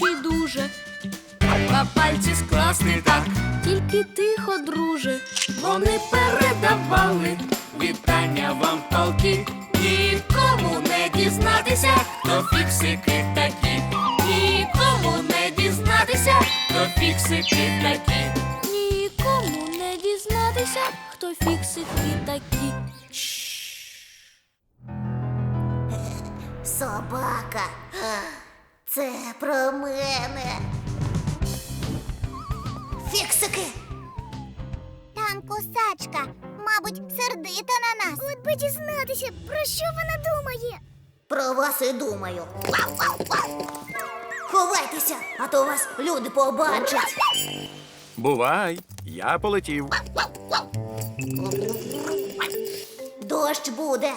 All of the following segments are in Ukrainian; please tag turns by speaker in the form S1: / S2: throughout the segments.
S1: гарячий дуже.
S2: Два пальці скласти так,
S1: Тільки тихо, друже.
S2: вони передавали вітання вам полки. Нікому не дізнатися, хто фіксики такі. Нікому не дізнатися, хто фіксики такі.
S1: Нікому не дізнатися, хто фіксики такі.
S3: Собака. Це про мене. Фіксики. Там кусачка. Мабуть, сердита на нас. От би дізнатися, про що вона думає. Про вас і думаю. Ховайтеся, а то вас люди побачать.
S4: Бувай, я полетів.
S3: Дощ буде.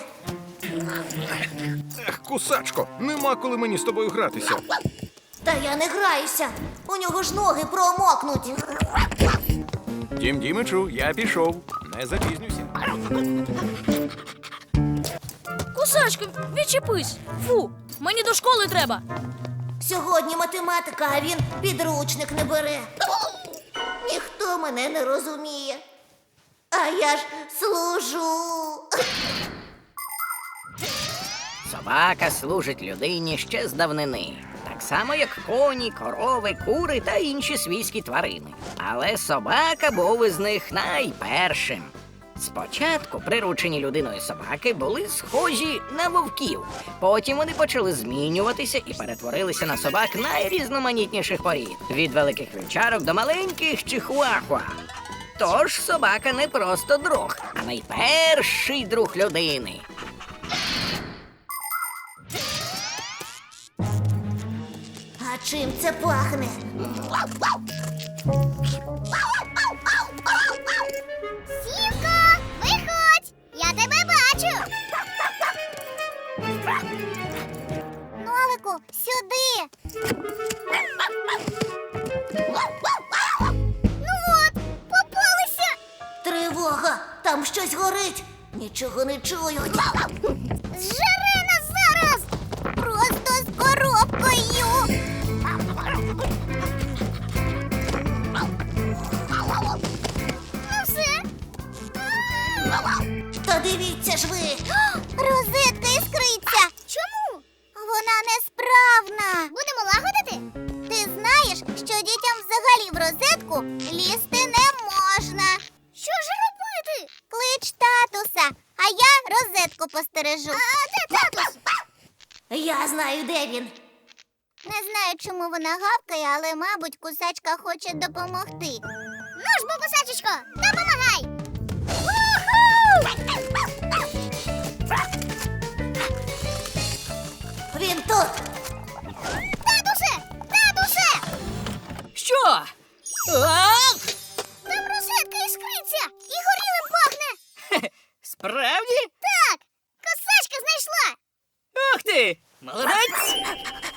S4: Ех, кусачко, нема коли мені з тобою гратися.
S3: Та я не граюся. У нього ж ноги промокнуть.
S4: Дім Дімичу, я пішов. Не запізнюся.
S1: Кусачко, відчепись. Фу, мені до школи треба.
S3: Сьогодні математика, а він підручник не бере. Ніхто мене не розуміє. А я ж служу.
S5: Собака служить людині ще з давнини. Так само, як коні, корови, кури та інші свійські тварини. Але собака був із них найпершим. Спочатку приручені людиною собаки були схожі на вовків. Потім вони почали змінюватися і перетворилися на собак найрізноманітніших порід. Від великих вівчарок до маленьких чихуахуа. Тож собака не просто друг, а найперший друг людини.
S3: А чим це пахне? Сімко, виходь! Я тебе бачу! Нолику, сюди! Ну от, попалися! Тривога! Там щось горить! Нічого не чую! Зжари нас зараз! Просто з коробкою! Ну все. Та дивіться ж ви. Розетка іскриться. Чому? Вона несправна. Будемо лагодити? Ти знаєш, що дітям взагалі в розетку лізти не можна. Що ж робити? Клич татуса, а я розетку постережу. А де татус? Я знаю, де він. Не знаю, чому вона гавкає, але, мабуть, кусачка хоче допомогти. Ну ж, бо, кусачечко, допомагай! Він тут! Татусе! Татусе!
S5: Що? А?
S3: Там розетка іскриться і горілим пахне!
S5: Хе-хе, справді?
S3: Так! Косачка знайшла!
S5: Ух ти! Молодець!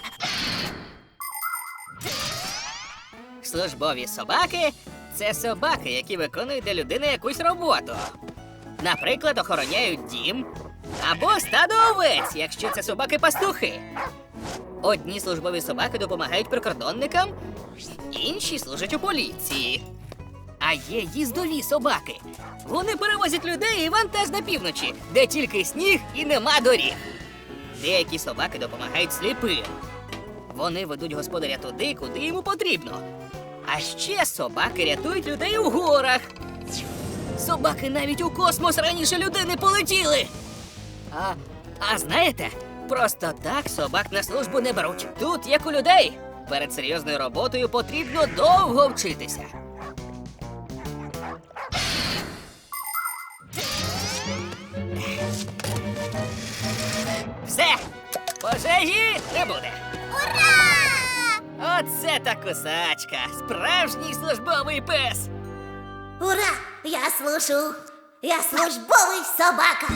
S5: Службові собаки – це собаки, які виконують для людини якусь роботу. Наприклад, охороняють дім або стадо овець, якщо це собаки-пастухи. Одні службові собаки допомагають прикордонникам, інші служать у поліції. А є їздові собаки. Вони перевозять людей і вантаж на півночі, де тільки сніг і нема доріг. Деякі собаки допомагають сліпим. Вони ведуть господаря туди, куди йому потрібно. А ще собаки рятують людей у горах. Собаки навіть у космос раніше людини полетіли. А знаєте, просто так собак на службу не беруть. Тут, як у людей, перед серйозною роботою потрібно довго вчитися. Все, пожежі не буде.
S3: Ура!
S5: Оце та кусачка, справжній службовий пес.
S3: Ура! Я служу! Я службовий собака!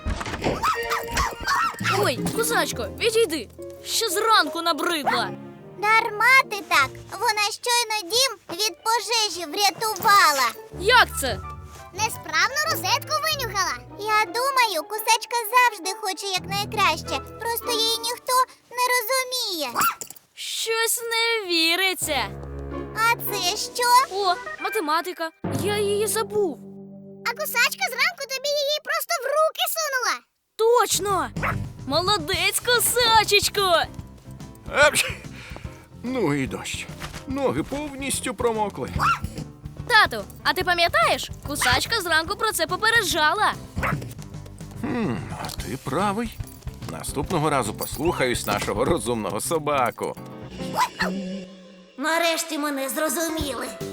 S1: Ой, кусачко, відійди. Ще зранку набридла.
S3: Дарма ти так! Вона щойно дім від пожежі врятувала!
S1: Як це?
S3: Несправну розетку винюхала. Я думаю, кусачка завжди хоче якнайкраще. Просто її ніхто не розуміє.
S1: Щось не віриться.
S3: А це що?
S1: О, математика. Я її забув.
S3: А кусачка зранку тобі її просто в руки сунула.
S1: Точно! Молодець, косачечко!
S4: Апч! Ну і дощ. Ноги повністю промокли.
S1: Тату, а ти пам'ятаєш? Кусачка зранку про це попереджала.
S4: А ти правий. Наступного разу послухаюсь нашого розумного собаку.
S3: Нарешті мене зрозуміли.